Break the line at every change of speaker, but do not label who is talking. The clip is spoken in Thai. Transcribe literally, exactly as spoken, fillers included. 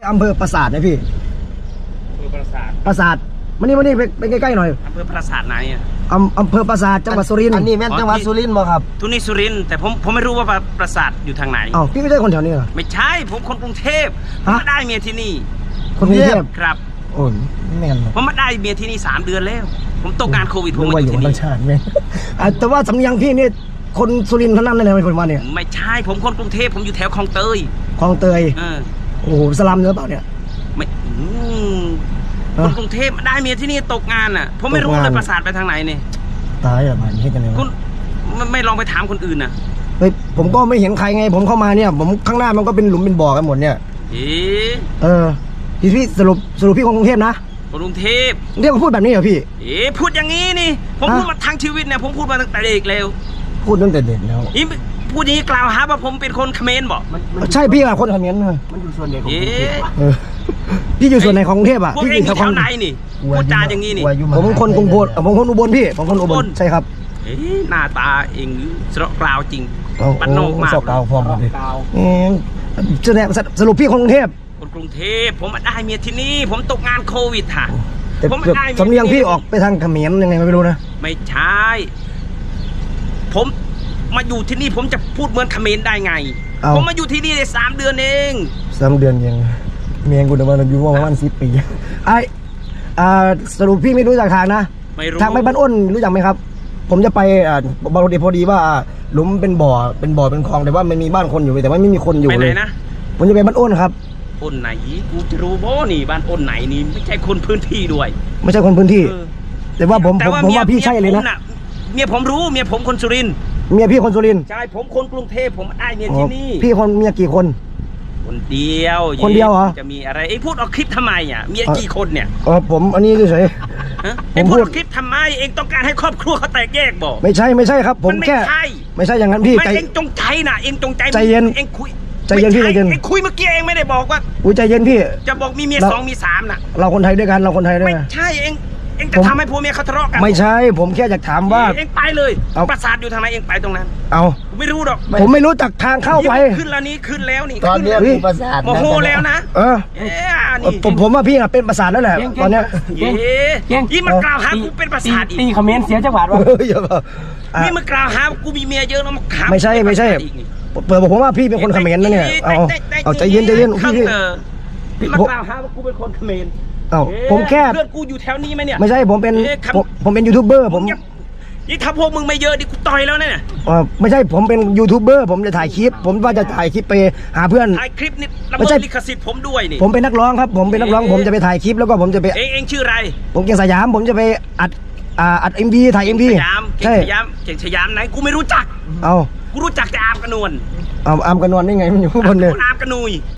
อำเภอปราสาทนะพี่
อำเภอปราสาท
ปราสาทมานี่มานี่ไปใกล้ๆหน่อย
อำเภอปราสาทไหนอ่ะ
อำอำเภอปราสาทจังหวัดสุรินทร์
อันนี้แม่นจังหวัดสุรินทร์บ่ครับ
ทุนี่สุรินทร์แต่ผมผมไม่รู้ว่าปราสาทอยู่ทางไหน
อ้าวพี่ไม่ใช่คนแถวนี้เหรอ
ไม่ใช่ผมคนกรุงเทพผมมาได้เมียที่นี่
คนกรุงเทพ
ครับ
โอ้ยแม่น
ผมมาได้เมียที่นี่สามเดือนแล้วผมตกงานโควิดผม
มาอยู่ที่นี่ชาติแม่แต่ว่าสำเนียงพี่นี่คนสุรินทร์ทั้งนั้นเลยเป็นคนมาเนี่ย
ไม่ใช่ผมคนกรุงเทพผมอยู่แถวคลองเตย
คลองเตยโอ้โหสลัมเนื้อเปล่าเนี่ย
ไม่คนกรุงเทพได้เมียที่นี่ตกงานอ่ะผมไม่รู้เลยปราสาทไปทางไหนเนี่ย
ตายอ่ะมันให้กันเลย
คุณไม่ลองไปถามคนอื่นนะ
เฮ้ยผมก็ไม่เห็นใครไงผมเข้ามาเนี่ยผมข้างหน้ามันก็เป็นหลุมเป็นบ่อกันหมดเนี่ย
เออ
เออพี่พี่สรุปสรุปพี่คนกรุงเทพนะ
กรุงเทพ
เรียกว่าพูดแบบนี้เหรอพี่
เอ๊พูดอย่างนี้นี่ผมพูดมาทั้งชีวิตเนี่ยผมพูดมาตั้งแต่เด็กแล้ว
พูดตั้งแต่เด็กแล้ว
นี่พูดอย่างนี้กล่าวหาว่าผมเป็นคนเขมรบอก
ใช่พี่อะคนเขมรเลย
มันอยู่ส่วนไหนของกรุงเทพ
พี่อยู่ส่วนไหนของกรุงเทพอะ
พี่อยู่แถวไหนนี่พูดจาอย่างนี้นี่
ผมคนกรุงโพผมคนอุบลพี่ผมคนอุบลใช่ครับ
เอ๊หน้าตาเองสระกล่าวจริงบ้านนอกมาก
สระกล่าวพร้อมกันเลยสรุปพี่คนกรุงเทพ
คนกรุงเทพผมมาได้เมียที่นี่ผมตกงานโควิดค่ะ
ผมมาได้สำเนียงพี่ออกไปทางเขมรยังไงไม่รู้นะ
ไม่ใช่ผมมาอยู่ที่นี่ผมจะพูดเหมือนเขมรได้ไงผมมาอยู่ที่นี่ได้สามเดือนเอง
สามเดือนยังเมียกูเดินมาอยู่ประมาณสิบปีไอสรุปพี่ไม่รู้จักทางนะทางไปบ้านอ้นรู้จักไหมครับผมจะไปบางทีพอดีว่าหลุมเป็นบ่อเป็นบ่อเป็นคลองแต่ว่ามันมีบ้านคนอยู่แต่ว่าไม่มีคนอยู่เลยนะผมจะไปบ้านอ้นครับ
อ้นไหนกูจะรู้บ่นี่บ้านอ้นไหนนี่ไม่ใช่คนพื้นที่ด้วย
ไม่ใช่คนพื้นที่แต่ว่าผมผมว่าพี่ใช่เลยนะ
เมียผมรู้เมียผมคนสุรินทร์
เมียพี่คนสุรินทร์
ใช่ผมคนกรุงเทพผมได้เมียที่นี่
พี่คนเมียกี่คน
คนเดียว
คนเดียวเหรอ
จะมีอะไรไอ้พูดออกคลิปทำไมอ่ะเมียกี่คนเนี่ย
อ๋อผมอันนี้เฉย
ไอ้พูดออกคลิปทำไมเองต้องการให้ครอบครัวเขาแตกแยกบอก
ไม่ใช่ไม่ใช่ครับผมแค่ไม่ใช่อย่างนั้นพี่
ใจเองจงใจนะเองจงใจ
ใจเย็น
เองคุย
ใจเย็นพี่ใจเย็น
เองคุยเมื่อกี้เองไม่ได้บอกว่า
อุ้ยใจเย็นพี่
จะบอกมีเมียสองมีสามน่ะ
เราคนไทยด้วยกันเราคนไทยด้วย
ไม่ใช่เองเองจะทำให้ผัวเมียเขาทะเลาะกัน
ไม่ใช่ผมแค่อยากถามว่า
เองไปเลยปราสาทอยู่ทางไหนเองไปตรงนั้น
เอา
ไม่รู้หรอก
ผมไม่รู้จักทางเข้าไป
ขึ้นแล้วนี้ขึ้นแล้วนี่
ตอนนี้ปราสาท
โมโหแล้วนะ
เออผมผมว่าพี่อะเป็นปราสาทแล้วแหละตอนเนี้ย
ยี่มันกล่าวหากูเป็นปราสาทอีก
ตีคอมเมนต์เสียจังหวัดวะ
นี่มันกล่าวหากูมีเมียเยอะแล้วมาขา
ไม่ใช่ไม่ใช่เปิดบอกผมว่าพี่เป็นคนเขมรนะเนี่ยเอาเอาใจเย็นใจเย็นพี่
พี่มากล่าวหาว่ากูเป็นคนเขมร
เอ้าผมแค่
เพื่อนกูอยู่แถวนี้ไหมเนี่ย
ไม่ใช่ผมเป็นผมเป็นยูทูบเบอร์ผม
ยิ่งถ้าพวกมึงไม่เยอะดิกูต่อยแล้วเนี่ย
อ๋อไม่ใช่ผมเป็นยูทูบเบอร์ผมจะถ่ายคลิปผมว่าจะถ่ายคลิปไปหาเพื่อน
ถ่ายคลิปนี่ไม่ใช่ลิขสิทธิ์ผมด้วยนี่
ผมเป็นนักร้องครับผมเป็นนักร้องผมจะไปถ่ายคลิปแล้วก็ผมจะไป
เองเองชื่ออะไร
ผมเก่งสยามผมจะไปอัดอ่าอัดเอ็มวีถ่ายเอ็มวี
สยามเก่งสยามเก่งสยามไหนกูไม่รู้จัก
เอา
กูรู้จักแต่อามกระนวล
เอาอามกระนวลได้ไงมันอยู่ข้างบนเลย
อามกระนุย